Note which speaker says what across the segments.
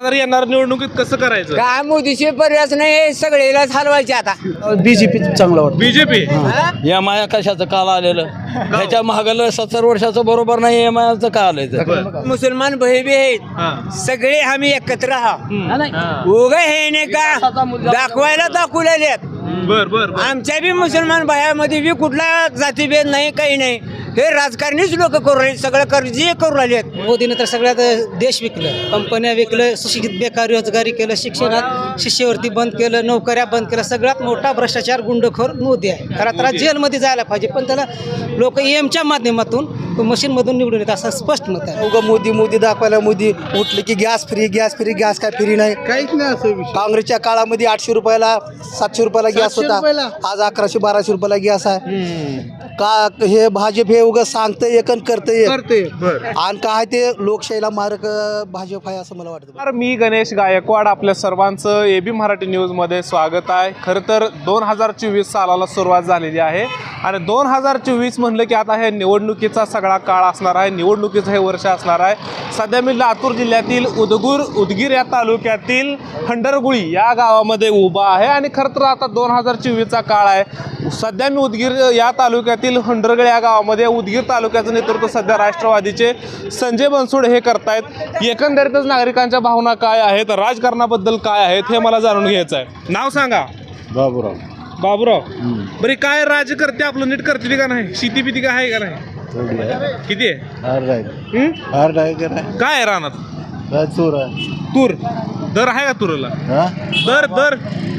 Speaker 1: जर येणार निवडणुकीत कसं करायचं?
Speaker 2: काय मोदीशी पर्यायच नाही, सगळेलाच हलवायचे आता.
Speaker 3: बीजेपी चांगलं वाटतं.
Speaker 2: बीजेपी
Speaker 4: या माया कशाचं काल आलेलं ह्याच्या महागाला 70 वर्षाचं बरोबर नाही या मायाचं का आलंय
Speaker 2: मुसलमान भाई बी आहेत, सगळे आम्ही एकत्र आहोत. उगा हे नाही का दाखवायला दाखवलेले
Speaker 5: बर बर
Speaker 2: आमच्या बी मुसलमान भायामध्ये बी कुठला जातीभेद नाही, काही नाही. हे राजकारणीच लोक करू राहिले, सगळं कर्जी करू राहिले.
Speaker 3: मोदीने तर सगळ्यात देश विकलं, कंपन्या विकलं, सुशिक्षित बेकार रोजगारी केलं, शिक्षणात शिष्यवृत्ती बंद केलं, नोकऱ्या बंद केल्या. सगळ्यात मोठा भ्रष्टाचार गुंडखोर मोदी आहे. खरं तर जेलमध्ये जायला पाहिजे, पण त्याला लोक EMच्या माध्यमातून मशीनमधून निवडून येतात असं स्पष्ट मत आहे.
Speaker 6: उगा मोदी मोदी दाखवायला मोदी उठले की gas free gas free gas काय फ्री नाही,
Speaker 3: काहीच नाही असं विषय.
Speaker 6: काँग्रेसच्या काळामध्ये 800 रुपयाला 700 रुपयाला गॅस होता, आज 1100-1200 रुपयाला गॅस आहे. का हे भाजप हे उगा सांगतंय एक आणि करतंय आणि काय ते लोकशाहीला मारक भाजप आहे असं मला वाटतं.
Speaker 5: तर मी गणेश गायकवाड, आपल्या सर्वांचं AB मराठी न्यूजमध्ये स्वागत आहे. खरं तर 2024 सालाला सुरुवात झालेली आहे आणि 2024 म्हणलं की आता हे निवडणुकीचा सगळा काळ असणार आहे, निवडणुकीचं हे वर्ष असणार आहे. सध्या मी लातूर जिल्ह्यातील उदगीर या तालुक्यातील हंडरगुळी या गावामध्ये उभा आहे आणि खरं तर आता 2024चा काळ आहे. सध्या मी उदगीर या तालुक्यातील हंडरगळ या गावामध्ये, उदगीर तालुक्याचं नेतृत्व सध्या राष्ट्रवादीचे संजय बनसोडे हे करतायत. एकंदरीतच नागरिकांच्या भावना काय आहेत, राजकारणाबद्दल काय आहेत हे मला जाणून घ्यायचं आहे. नाव सांगा. बाबूराव. बरे काय राजकर्ते आपलं नीट करते का नाही? शेती बिती काय आहे का नाही? किती आहे? काय आहे रानात? तूर. दर आहे का तुरला? दर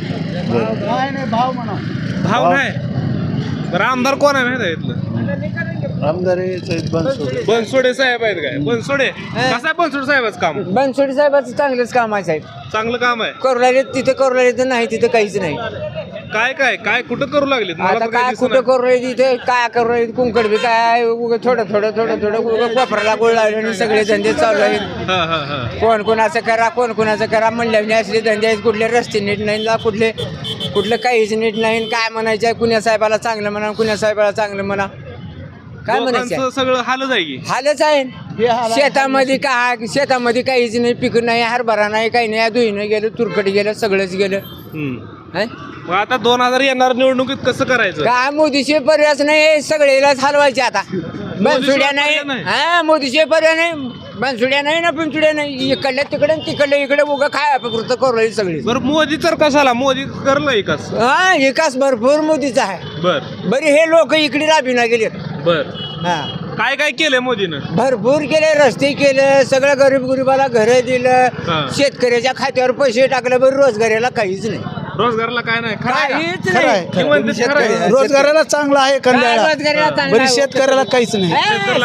Speaker 5: भाव नाही. बरं आमदार कोण आहे माहिती आहे इथलं?
Speaker 6: आमदार
Speaker 5: बनसोडे साहेब आहेत. काय बनसोडे कसं आहे बनसोडे साहेबाचं काम?
Speaker 2: बनसोडे साहेबाचं चांगलंच काम आहे साहेब.
Speaker 5: चांगलं काम आहे.
Speaker 2: करू लागले तिथे करू लागले तर नाही तिथे काहीच नाही.
Speaker 5: काय कुठं करू लागले?
Speaker 2: आता काय कुठं करू राहिले तिथे, काय करू राहिले कुंकड बी काय उगं थोडं उगं कोपराला गोळ लावले आणि सगळे धंदे चालू आहेत. कोण कोणाचं करा कोण कोणाचं करा म्हणल्याने असले धंदे आहेत. कुठले रस्ते नीट नाही, कुठलं काहीच नीट नाही. काय म्हणायचं आहे, कुण्या साहेबाला चांगलं म्हणा, कुण्या साहेबाला चांगलं म्हणा, काय म्हणायचं?
Speaker 5: सगळं हालच आहे की
Speaker 2: हालच आहे. शेतामध्ये काहीच नाही, पीक नाही, हरभरा नाही, काही नाही. धुईनं गेलं, तुरकट गेलं, सगळंच गेलं.
Speaker 5: मग आता 2000 येणार निवडणुकीत कसं करायचं?
Speaker 2: काय मोदीशी पर्यायच नाही, सगळेलाच हलवायचे आता. बनसुड्या नाही, हा मोदीशी पर्याय नाही. बनसुड्या नाही ना, पिंचुड्या नाही, इकडल्या तिकडे तिकडल्या इकडे उगा काय पुरतं करू राहील सगळी.
Speaker 5: बरं मोदी तर कशाला? मोदी करलं विकास.
Speaker 2: हा विकास भरपूर मोदीचा आहे. बरे हे लोक इकडे राबीना गेलेत. हा
Speaker 5: काय केलंय मोदीनं?
Speaker 2: भरपूर केले, रस्ते केले, सगळं गरीबाला घरं दिलं, शेतकऱ्याच्या खात्यावर पैसे टाकले. बरं रोजगाराला काहीच नाही.
Speaker 5: रोजगाराला काय नाही,
Speaker 2: काहीच नाही.
Speaker 6: रोजगाराला चांगला आहे
Speaker 2: रोजगाराला
Speaker 6: शेतकऱ्याला काहीच नाही.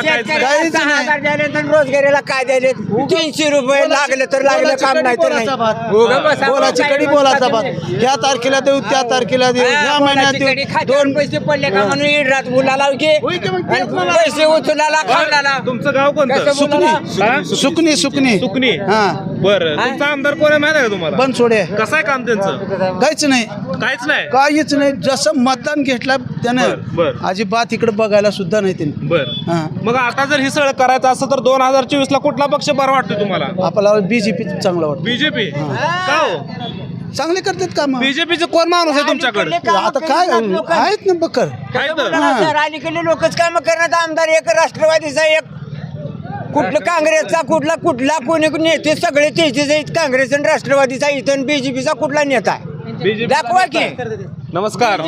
Speaker 2: रोजगाराला काय द्यायले? 300 रुपये लागले तर लागलं, काम नाही तर नाही.
Speaker 6: बोलाची कडी बोलाचा भात. या तारखेला देऊ, त्या तारखेला देऊ, या महिन्यात देऊ.
Speaker 2: 2 पैसे पडले का म्हणून रात मुलाला पैसे उचलाला खावला.
Speaker 5: तुमचं गाव कोणतं?
Speaker 6: सुकणी. हा
Speaker 5: बरं तुमचा आमदार कोण आहे माहिती आहे का तुम्हाला?
Speaker 6: बनसोडे.
Speaker 5: कसं आहे काम त्यांचं?
Speaker 6: काहीच नाही. काहीच नाही. जसं मतदान घेतलं त्यानं अजिबात इकडे बघायला सुद्धा नाही त्यांनी.
Speaker 5: बरं मग आता जर हे सगळं करायचं असं तर 2024 ला कुठला पक्ष बरं वाटतो तुम्हाला?
Speaker 6: आपल्याला बीजेपी चांगला वाटतं.
Speaker 5: बीजेपी का हो?
Speaker 6: चांगले करतात काम.
Speaker 5: बीजेपीचं कोण माणूस आहे तुमच्याकडे?
Speaker 6: आता काय आहेत ना बकर.
Speaker 2: अलीकडे लोकच काम करण्यात. आमदार एक राष्ट्रवादीचा, एक कुठलं काँग्रेसचा, कुठला कोणी नेते सगळे तेचेच आहेत. काँग्रेस आणि राष्ट्रवादीचा, इथं बीजेपीचा कुठला नेता आहे दाखवा की.
Speaker 5: नमस्कार.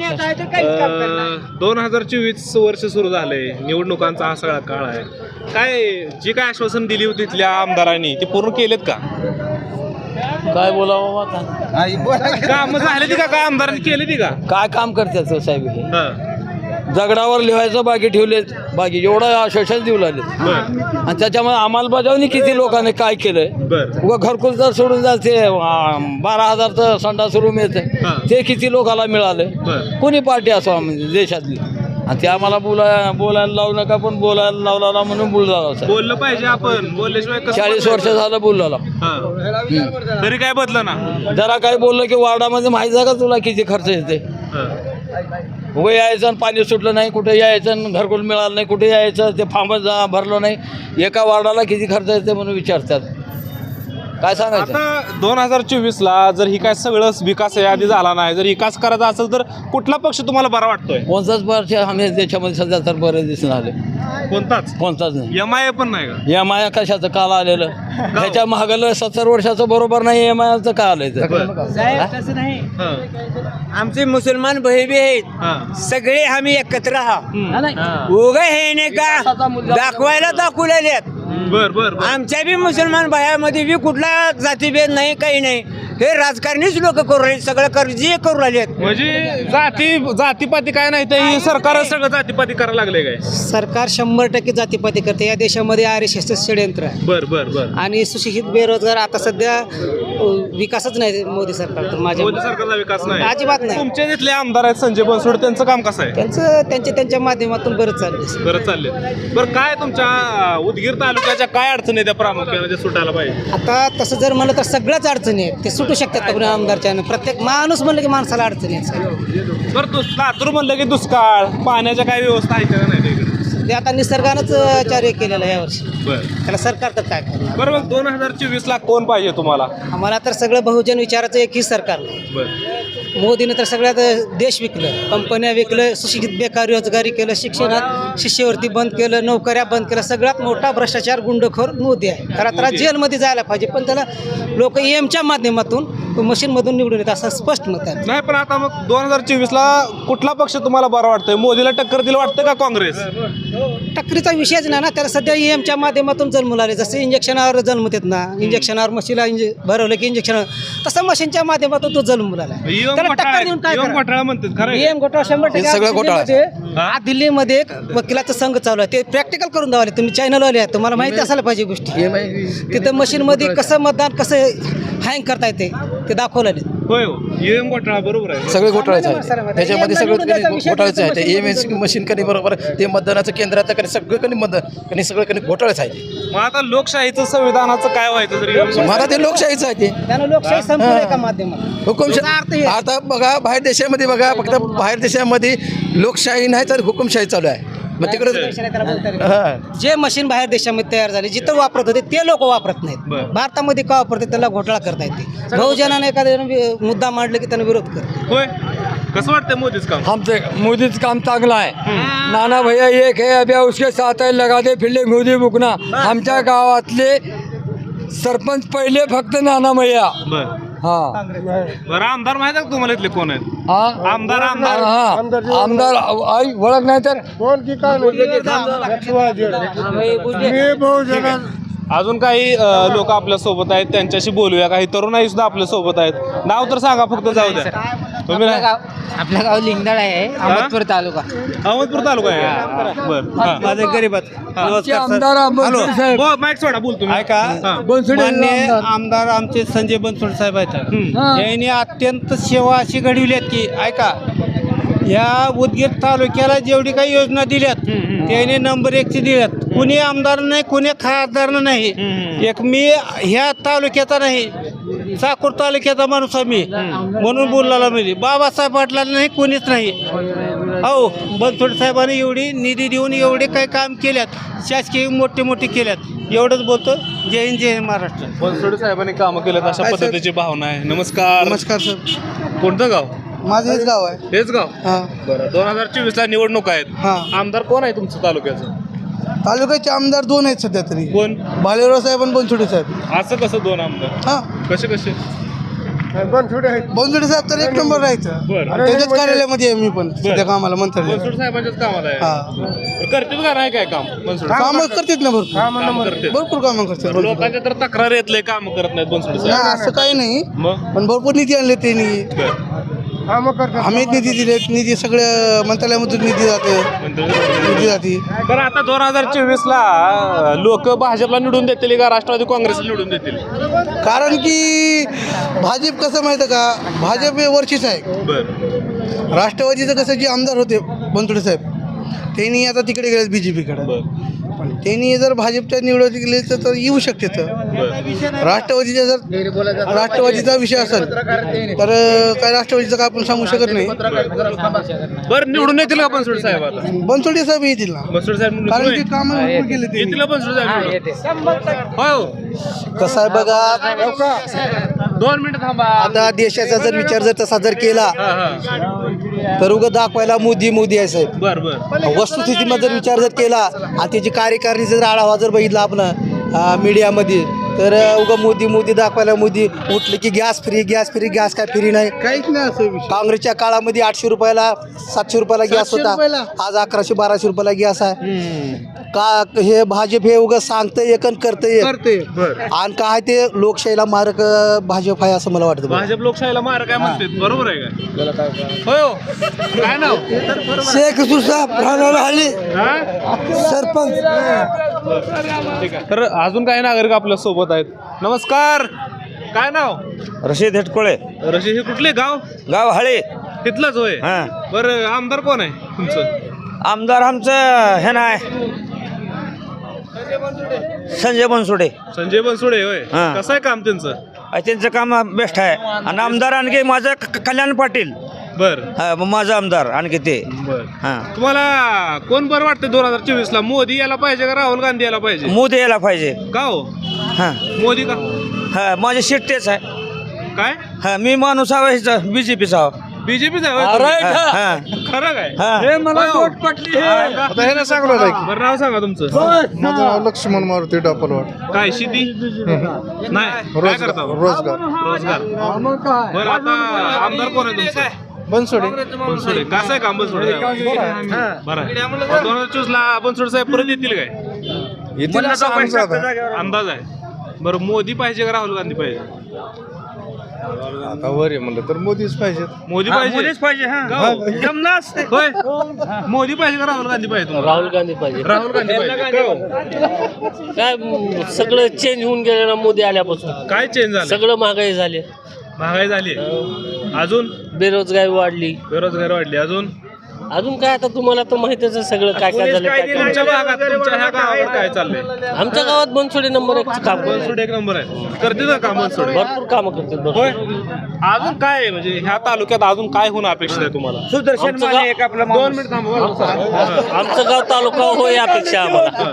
Speaker 5: 2024 वर्ष सुरू झालंय, निवडणुकांचा हा सगळा काळ आहे. काय जी काय आश्वासन दिली होती तिथल्या आमदारांनी ती पूर्ण केलेत का?
Speaker 4: काय बोलावं आता?
Speaker 5: काम झाले ती का? काय आमदारांनी केले ती का?
Speaker 4: काय काम करतात साहेब हे? दगडावर लिहायचं बाकी ठेवलेत, बाकी एवढं आश्वासन देऊ लागले. आणि त्याच्यामुळे अंमलबजावणी किती लोकांनी काय केलंय? उगा घरकुल जर सोडून जाते 12,000चं संडास रूम येते, ते किती लोकांना मिळाले? कोणी पार्टी असो म्हणजे देशातली. आणि ते आम्हाला बोलायला लावू नका, पण बोलायला लावला म्हणून
Speaker 5: बोललं पाहिजे. आपण बोलल्याशिवाय
Speaker 4: 40 वर्ष झालं बोलला,
Speaker 5: तरी काय बदलं ना?
Speaker 4: जरा काय बोललं की वार्डामध्ये माहिती आहे का तुला किती खर्च येते? उभं यायचं आणि पाणी सुटलं नाही, कुठे यायचं घरकुल मिळालं नाही, कुठे यायचं ते फॉर्मच भरलं नाही. एका वार्डाला किती खर्च येते म्हणून विचारतात. काय सांगायचं
Speaker 5: आता 2024ला जर ही काय सगळं विकास आधी झाला नाही, जर विकास करायचा असेल तर कुठला पक्ष तुम्हाला बरा वाटतोय?
Speaker 4: कोणताच पक्ष आम्ही देशामध्ये सध्या तर बरं दिसून आले, कोणताच नाही.
Speaker 5: MIA पण नाही का?
Speaker 4: या माया कशाचं काल आलेलं ह्याच्या मागलं 70 वर्षाचं बरोबर नाही. या मायाचं काय आलंय
Speaker 2: तसं नाही.
Speaker 5: हं.
Speaker 2: आमचे मुसलमान भाई बी आहेत,
Speaker 5: हं.
Speaker 2: सगळे आम्ही एकत्र आहोत. उगा हे नाही का दाखवायला दाखवलेले
Speaker 5: बर
Speaker 2: आमच्या बी मुसलमान भायामध्ये बी कुठला जातीभेद नाही, काही नाही. हे राजकारणीच लोक करू राहिले, सगळं जे करू राहिले.
Speaker 5: म्हणजे जातीपाती काय नाही तर ही सरकार सगळं जातीपाती करायला लागले काय?
Speaker 3: सरकार 100% जातीपाती करते. या देशामध्ये RSS षडयंत्र आहे
Speaker 5: बर
Speaker 3: आणि सुशिक्षित बेरोजगार आता सध्या विकासच नाही मोदी सरकार तर माझ्या
Speaker 5: मोदी सरकारचा विकास नाही,
Speaker 3: अजिबात नाही.
Speaker 5: तुमचे जिथले आमदार आहेत संजय बनसोड, त्यांचं काम कसं आहे?
Speaker 3: त्यांच्या माध्यमातून बरंच चाललंय.
Speaker 5: बरं चालले. बरं काय तुमच्या उदगीर तालुक्याच्या काय अडचणी आहेत त्या प्रामुख्याने जे सुटायला पाहिजे?
Speaker 3: आता तसं जर म्हणलं तर सगळ्याच अडचणी आहेत, ते सुटू शकतात का आमदारच्या. प्रत्येक माणूस म्हणलं की माणसाला अडचणी आहेत.
Speaker 5: बरं लातूर म्हणलं की दुष्काळ, पाण्याच्या काय व्यवस्था आहे का नाही तिकडे?
Speaker 3: ते आता निसर्गानंच कार्य केलेलं आहे यावर्षी, त्याला सरकार तर काय करणार.
Speaker 5: बरं मग 2024ला कोण पाहिजे तुम्हाला?
Speaker 3: आम्हाला तर सगळं बहुजन विचाराचं एकही सरकार. मोदीने तर सगळ्यात देश विकलं, कंपन्या विकलं, सुशिक्षित बेकार रोजगारी केलं, शिक्षणात शिष्यवृत्ती बंद केलं, नोकऱ्या बंद केलं. सगळ्यात मोठा भ्रष्टाचार गुंडखोर मोदी आहे. खरं तर जेलमध्ये जायला पाहिजे, पण त्याला लोक EMच्या माध्यमातून मशीनमधून निवडून येतात असं स्पष्ट मत आहे.
Speaker 5: नाही पण आता मग 2024ला कुठला पक्ष तुम्हाला बरं वाटतंय? मोदीला टक्कर दिलं वाटतं का काँग्रेस?
Speaker 3: टक्करीचा विषयच नाही ना, त्याला सध्या EMच्या माध्यमातून जन्म आले. जसे इंजेक्शनावर जन्मतात ना, इंजेक्शनावर मशीनला भरवलं की इंजेक्शन, तसं मशीनच्या माध्यमातून तो जन्म आला. त्याला टक्कर देऊन काय करणार?
Speaker 5: घोटाळा म्हणतात खरं आहे?
Speaker 3: EM घोटाळा 100%
Speaker 6: सगळं घोटाळा.
Speaker 3: आज दिल्लीमध्ये एक वकिलाचा संघ चालू आहे, ते प्रॅक्टिकल करून दावले. तुम्ही चॅनलवाले आहे, तुम्हाला माहिती असायला पाहिजे गोष्टी. तिथं मशीनमध्ये कसं मतदान कसं हँग करता येते ते दाखवलं.
Speaker 5: होय हो, EM घोटाळा बरोबर आहे.
Speaker 7: सगळे घोटाळ्याचं आहे त्याच्यामध्ये, सगळं घोटाळ्याचं आहे. ते EMS मशीन कधी बरोबर ते मतदानाचं केंद्राचं कधी सगळं कधी मतदान कधी सगळं कधी घोटाळ्याच आहे ते.
Speaker 5: मग आता लोकशाहीचं संविधानाचं काय व्हायचं तरी?
Speaker 7: मला ते लोकशाहीचं आहे ते.
Speaker 3: त्यानं लोकशाही संपलं एका माध्यमात.
Speaker 7: हुकुमशाही आता बघा, बाहेर देशामध्ये बघा, फक्त बाहेर देशामध्ये लोकशाही नाही तर हुकुमशाही चालू आहे. मग तिकडे
Speaker 3: जे मशीन बाहेर देशामध्ये तयार झाले, जिथं वापरत होते ते लोक वापरत नाहीत. भारतामध्ये का वापरते, त्याला घोटाळा करता येते. बहुजनाने एखाद्या मुद्दा मांडला की त्यांना विरोध करते.
Speaker 5: होय, कसं वाटतं मोदीच काम?
Speaker 4: आमचं मोदीचं काम चांगलं आहे. नाना भैया एक है अभी उसके साथ है लगा दे फिरले मोदी बुकना. आमच्या गावातले सरपंच पहिले फक्त नाना भैया. हा
Speaker 5: बरं आमदार माहित आहे का तुम्हाला इथले कोण आहेत?
Speaker 4: हा
Speaker 5: आमदार
Speaker 4: आमदार आई ओळख नाही तर
Speaker 5: अजून काही लोक आपल्या सोबत आहेत, त्यांच्याशी बोलूया. काही तरुणाई सुद्धा आपल्या सोबत आहेत. नाव तर सांगा फक्त, जाऊ द्या. तुम्ही
Speaker 2: आपलं गाव लिंगदळ आहे, अहमदपूर तालुका.
Speaker 5: अहमदपूर तालुका आहे. बरं,
Speaker 2: माझं गरीबात.
Speaker 4: आमदार
Speaker 5: माईक सोडा, बोल तुम्ही.
Speaker 2: ऐका, मान्य आमदार आमचे संजय बनसोड साहेब आहेत. यांनी अत्यंत सेवा अशी घडविली आहेत की, ऐका, या उदगीर तालुक्याला जेवढी काही योजना दिल्यात त्याने नंबर 1ची दिल्यात. कुणी आमदार नाही, कुणी खासदार नाही. एक मी ह्या तालुक्याचा नाही, चाकूर तालुक्याचा माणूस आहे मी, म्हणून बोलला मी. बाबासाहेब पाटलाला नाही, कोणीच नाही. हो, बनसोड साहेबांनी एवढी निधी देऊन एवढे काही काम केल्यात, शासकीय मोठे केल्यात. एवढंच बोलतो. जय हिंद, जय महाराष्ट्र.
Speaker 5: बनसोडे साहेबांनी कामं केलेत अशा पद्धतीची भावना आहे. नमस्कार.
Speaker 6: नमस्कार सर.
Speaker 5: कोणतं गाव?
Speaker 6: माझं हेच गाव आहे.
Speaker 5: हेच गाव. बरं, 2024ला निवडणूक आहेत.
Speaker 6: हां.
Speaker 5: आमदार कोण आहे तुमचं तालुक्याचं?
Speaker 6: तालुक्याचे आमदार 2 आहेत सध्या तरी,
Speaker 5: कोण?
Speaker 6: भालेराव साहेब आणि बनसोडे साहेब.
Speaker 5: असं कसं 2 आमदार?
Speaker 6: हां,
Speaker 5: कसे?
Speaker 6: बनसोडे साहेब तर एक नंबर राहायचं.
Speaker 5: बरं.
Speaker 6: त्यांच्याच कार्यालयामध्ये आहे मी पण सध्या कामाला मंत्रालय.
Speaker 5: बनसोड साहेबांच्याच कामाला आहे.
Speaker 6: हां,
Speaker 5: करतील का नाही काय काम बनसोड?
Speaker 6: कामं करतात ना भरपूर,
Speaker 5: कामं करतात.
Speaker 6: भरपूर कामं करतात.
Speaker 5: लोकांच्या तर तक्रार येतले काम करत नाहीत बनसोड साहेब.
Speaker 6: नाही असं काही नाही,
Speaker 5: मग
Speaker 6: पण भरपूर निधी आणले त्यांनी. आम्ही निधी दिले, निधी सगळ्या मंत्रालयामधून निधी जाते.
Speaker 5: बरं, आता 2024ला लोक भाजपला निवडून देतील का राष्ट्रवादी काँग्रेसला निवडून देतील?
Speaker 6: कारण की भाजप कसं माहितं का, भाजप हे वरचीच आहे.
Speaker 5: बरं.
Speaker 6: राष्ट्रवादीचं कसं जे आमदार होते बनसोडे साहेब, त्यांनी आता तिकडे गेले BJP कडे. त्यांनी जर भाजपच्या निवडणूक गेले तर येऊ शकते तर राष्ट्रवादीचा जर राष्ट्रवादीचा विषय असेल तर काय राष्ट्रवादीचं काय आपण सांगू शकत नाही.
Speaker 5: बरं निवडून येतील का बनसोडे साहेब आता?
Speaker 6: बनसोडे साहेब येतील ना,
Speaker 5: बनसोडे साहेब निवडून
Speaker 6: कारण
Speaker 5: येतील?
Speaker 6: ते काम केले ते.
Speaker 5: येतील का बनसोडे साहेब निवडून? हो
Speaker 6: कसं आहे बघा,
Speaker 5: 2 मिनिटं थांबा.
Speaker 6: आता देशाचा जर विचार जर तसा जर केला तर उगं दाखवायला मोदी मोदी आहे साहेब.
Speaker 5: बर बर
Speaker 6: वस्तुस्थितीमध्ये जर विचार जर केला आणि त्याची कार्यकारिणीचा जर आढावा जर बघितला आपण मीडियामध्ये तर उगा मोदी मोदी दाखवायला मोदी उठले की गॅस फ्री गॅस काय फ्री नाही काहीच नाही. असं काँग्रेसच्या काळामध्ये 800 रुपयाला 700 रुपयाला गॅस होता, आज 1100-1200 रुपयाला गॅस आहे. का हे भाजप हे उगा सांगतंय एक आणि करतंय आणि काय ते लोकशाहीला मारक भाजप आहे असं मला वाटतं.
Speaker 5: भाजप लोकशाहीला मार काय म्हणते, बरोबर आहे काय? हो काय नाव?
Speaker 6: शेख सरपंच.
Speaker 5: ठीक आहे. तर अजून काही नागरिक आपल्या सोबत आहेत. नमस्कार, काय नाव?
Speaker 8: रशीद हेटकोळे,
Speaker 5: रशी हे कुठले गाव?
Speaker 8: गाव हळे.
Speaker 5: तिथलंच होय.
Speaker 8: हां.
Speaker 5: बरं आमदार कोण आहे तुमचं?
Speaker 8: आमदार आमचं हे नाही, संजय बनसोडे.
Speaker 5: संजय बनसोडे होय.
Speaker 8: हां.
Speaker 5: कसं आहे काम त्यांचं?
Speaker 8: त्यांचं काम बेस्ट आहे. आणि आमदार आणखी माझं कल्याण पाटील.
Speaker 5: बर
Speaker 8: माझा आमदार आणखी ते.
Speaker 5: बर
Speaker 8: हां.
Speaker 5: तुम्हाला कोण बरं वाटतं 2024 ला? मोदी यायला पाहिजे का राहुल गांधी यायला पाहिजे?
Speaker 8: मोदी यायला पाहिजे.
Speaker 5: का हो
Speaker 8: हां
Speaker 5: मोदी का?
Speaker 8: हां, माझी सीट तेच आहे.
Speaker 5: काय
Speaker 8: हां, मी माणूस आहे BJPचा.
Speaker 5: बीजेपीच आहे होय
Speaker 8: हां,
Speaker 5: तुम्ही?
Speaker 8: हां.
Speaker 5: खरं काय?
Speaker 8: हां.
Speaker 5: हे मला वोट पटली.
Speaker 6: आता हे ना सांगलो
Speaker 5: बरं नाव सांगा तुमचं.
Speaker 6: माझं नाव लक्ष्मण मारुती डापलवाड.
Speaker 5: काय शेती नाही काय करता? रोजगार. बरं आता आमदार कोण आहे तुमचं?
Speaker 6: बनसोडे.
Speaker 5: बनसोडे. कसं आहे काम बनसोडे साहेब? बरं आहे. 2024 ला बनसोडे साहेब परत येतील काय? अंदाज आहे. बरं मोदी पाहिजे का राहुल गांधी पाहिजे?
Speaker 6: आता वर आहे म्हणलं तर मोदीच पाहिजे.
Speaker 5: मोदी
Speaker 8: हां,
Speaker 5: पाहिजे.
Speaker 8: मोदीच पाहिजे. हां, जमलाच ते.
Speaker 5: होय मोदी पाहिजे का राहुल गांधी पाहिजे तुम्हाला?
Speaker 9: राहुल गांधी पाहिजे.
Speaker 5: राहुल गांधी पाहिजे. का हो?
Speaker 9: काय सगळं चेंज होऊन गेलं ना मोदी आल्यापासून.
Speaker 5: काय चेंज झालं?
Speaker 9: सगळं महागाई झाली,
Speaker 5: महागाई झाली. अजून
Speaker 9: बेरोजगारी वाढली.
Speaker 5: बेरोजगारी वाढली. अजून
Speaker 9: अजून काय आता तुम्हाला तर माहितीच आहे सगळं काय काय झालं. काय काय.
Speaker 5: तुमच्या भागात तुमच्या ह्या गावावर काय चाललंय?
Speaker 9: आमच्या गावात बनसोडे नंबर 1 काम करतात.
Speaker 5: बनसोडे एक नंबर आहे. करते का काम बनसोडे?
Speaker 9: भरपूर कामं करतात
Speaker 5: होय.
Speaker 9: बनसोडे.
Speaker 5: अजून काय आहे म्हणजे ह्या तालुक्यात अजून काय होणं अपेक्षित आहे तुम्हाला?
Speaker 8: सुदर्शन
Speaker 9: आमचं
Speaker 8: माने
Speaker 9: गाव-
Speaker 8: एक आपला
Speaker 5: 2
Speaker 8: माणूस.
Speaker 5: मिनिट थांबा.
Speaker 9: आमचं गाव तालुका हो या अपेक्षा आम्हाला.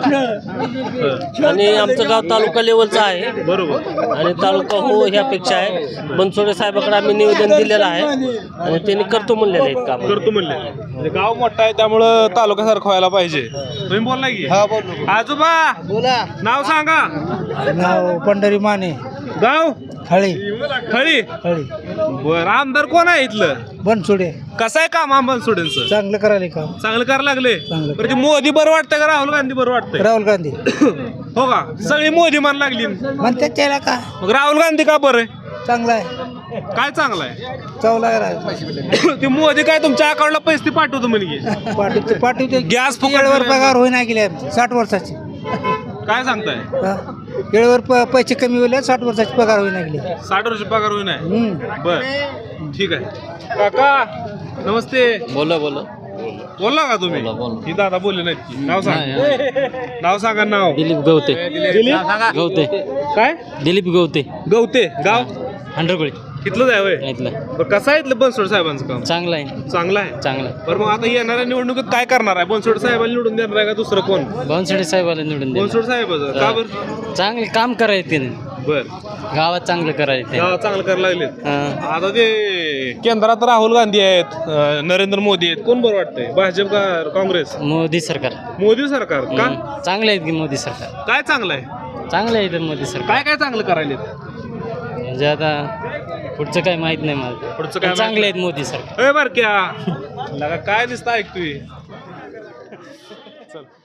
Speaker 9: आणि आमचं गाव तालुका लेवलचं आहे
Speaker 5: बरोबर.
Speaker 9: आणि तालुका हो ही अपेक्षा आहे. बनसोडे साहेबाकडे आम्ही निवेदन दिलेलं आहे आणि त्यांनी करतो म्हणलेलं आहे काम.
Speaker 5: करतो म्हणले. म्हणजे गाव मोठं आहे त्यामुळं तालुक्यासारखं व्हायला पाहिजे. तुम्ही बोलला की?
Speaker 6: हा बोल.
Speaker 5: आजोबा
Speaker 6: बोला.
Speaker 5: नाव सांगा.
Speaker 6: नाव पंढरी माने.
Speaker 5: गाव
Speaker 6: हळी.
Speaker 5: खळी.
Speaker 6: हळी.
Speaker 5: बर आमदार कोण आहे इथलं?
Speaker 6: बनसोडे.
Speaker 5: कसं आहे काम आंबन सोडेंचं?
Speaker 6: चांगलं करायला काम.
Speaker 5: चांगलं करायला लागले.
Speaker 6: चांगलं.
Speaker 5: बरं ते मोदी बरं वाटतंय का राहुल गांधी बरं वाटतंय?
Speaker 6: राहुल गांधी
Speaker 5: हो का? सगळी मोदी मान लागली.
Speaker 6: म्हणतात त्याला का
Speaker 5: मग राहुल गांधी का बरं आहे?
Speaker 6: चांगला आहे,
Speaker 5: काय चांगलं आहे?
Speaker 6: चावला
Speaker 5: ते मोदी काय तुमच्या अकाउंटला पैसे पाठवतो म्हणजे?
Speaker 6: पाठवते.
Speaker 5: गॅस फुकट
Speaker 6: केळवर
Speaker 5: दिला.
Speaker 6: पगार होईना गेले 60 वर्षाची.
Speaker 5: काय सांगताय?
Speaker 6: केळवर पैसे कमी होईल 60 वर्षाची पगार होईना गेले.
Speaker 5: 60 वर्ष पगार होईना. बर ठीक आहे. काका नमस्ते.
Speaker 9: बोला
Speaker 5: बोलला का तुम्ही? ही दादा बोलले नाहीत की. नाव सांगा. नाव सांगा. नाव
Speaker 9: दिलीप गवते.
Speaker 5: दिलीप
Speaker 9: गवते.
Speaker 5: काय?
Speaker 9: दिलीप गवते.
Speaker 5: गवते. गाव
Speaker 9: हंड्रगोळी
Speaker 5: इथलंच आहे होय.
Speaker 9: इथलं
Speaker 5: बरं कसं आहे इथलं बनसोड साहेबांचं काम?
Speaker 9: चांगलं आहे.
Speaker 5: चांगलं आहे.
Speaker 9: चांगलं.
Speaker 5: बरं मग आता येणाऱ्या निवडणुकीत काय करणार आहे? बनसोड साहेबांना निवडून देणार आहे का दुसरं कोण?
Speaker 9: बनसोडे साहेबाला निवडून दे.
Speaker 5: बनसोड साहेबाचं का बरं?
Speaker 9: चांगले काम करायचे त्याने.
Speaker 5: बर
Speaker 9: गावात चांगलं करायचं.
Speaker 5: गावात चांगलं करायला लागलेत.
Speaker 9: हां.
Speaker 5: आता ते केंद्रात राहुल गांधी आहेत, नरेंद्र मोदी आहेत. कोण बरं वाटतंय? भाजप का काँग्रेस?
Speaker 9: मोदी सरकार.
Speaker 5: मोदी सरकार का?
Speaker 9: चांगलं आहे की मोदी सरकार.
Speaker 5: काय चांगलं आहे?
Speaker 9: चांगलं आहे तर मोदी सरकार.
Speaker 5: काय काय चांगलं करायले?
Speaker 9: म्हणजे आता पुढचं काय माहित नाही मला.
Speaker 5: पुढचं काय
Speaker 9: पण चांगले आहेत मोदी सरकार.
Speaker 5: ए बर क्या लगा काय दिसतं ऐकतोय. चल